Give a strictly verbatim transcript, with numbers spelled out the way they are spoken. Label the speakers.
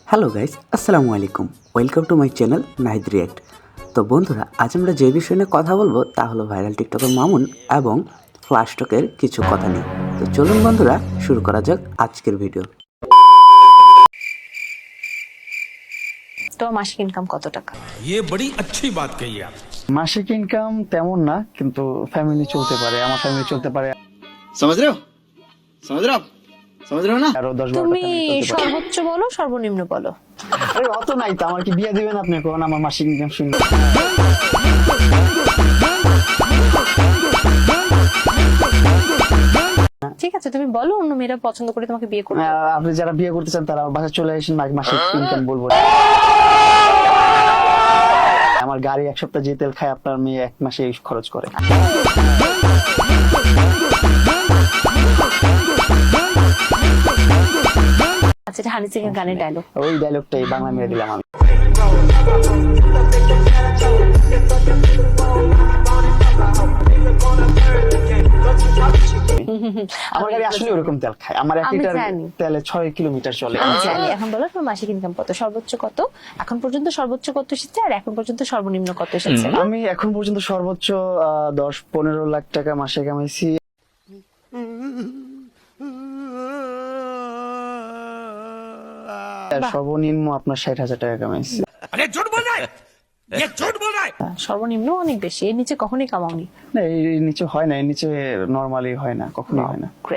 Speaker 1: Hello guys, আসসালামু আলাইকুম। Welcome to my channel Nahid react. তো বন্ধুরা, আজ আমরা যে বিষয় নিয়ে কথা বলবো তা হলো ভাইরাল টিকটকের মামুন এবং ফ্লাশটকের কিছু কথা নিয়ে। তো চলুন বন্ধুরা, শুরু করা যাক আজকের ভিডিও।
Speaker 2: তো মাসিক ইনকাম কত টাকা?
Speaker 3: ये बड़ी अच्छी बात कही आप।
Speaker 4: মাসিক ইনকাম তেমন না, কিন্তু ফ্যামিলি চলতে পারে, আমার ফ্যামিলি চলতে পারে।
Speaker 5: समझ रहे हो समझ रहे हो आप समझ रहे हो ना
Speaker 4: আরো দশ
Speaker 2: তুমি
Speaker 4: বারোটা
Speaker 2: সর্বোচ্চ বলো, সর্বনিম্ন বলো।
Speaker 4: আরে অত নাই তো, আমার কি বিয়ে দিবেন আপনি? কোন আমার মাসিক ইনকাম শুনবেন?
Speaker 2: ঠিক আছে, তুমি বলো, অন্য মেয়েরা পছন্দ করে তোমাকে বিয়ে করবে।
Speaker 4: আহ, আপনি যারা বিয়ে করতে চান তারা বাসা চলে আসেন, মাসিক ইনকাম বলবো না। আমার গাড়ি এক সপ্তাহ যে তেল খায় আপনার মেয়ে এক মাসে খরচ করে।
Speaker 2: আচ্ছা, এটা হানি সিং এর গানের ডায়লগ।
Speaker 4: ওই ডায়লগটাই বাংলা মেরে দিলাম আমি। আমার গাড়ি আসলে ওরকম তেল খায়, আমার এক
Speaker 2: আমি
Speaker 4: লিটার
Speaker 2: জানি।
Speaker 4: তেলে ছয় কিলোমিটার চলে।
Speaker 2: আমি জানি। এখন বলো তোমার মাসিক ইনকাম কত, সর্বোচ্চ কত, এখন পর্যন্ত সর্বোচ্চ কত এসেছে, আর এখন পর্যন্ত সর্বনিম্ন কত এসেছে?
Speaker 4: আমি এখন পর্যন্ত সর্বোচ্চ আহ, দশ পনেরো লাখ টাকা মাসে কামাইছি। আর সর্বনিম্ন আপনার ষাট হাজার টাকা কামাইছি।
Speaker 3: अरे झूठ बोल रहा है, ये झूठ बोल रहा है।
Speaker 2: সর্বনিম্ন অনেক বেশি, এর নিচে কখনোই কামাওনি।
Speaker 4: না, এর নিচে হয় না, এর নিচে নরমালি হয় না, কখনোই হয় না।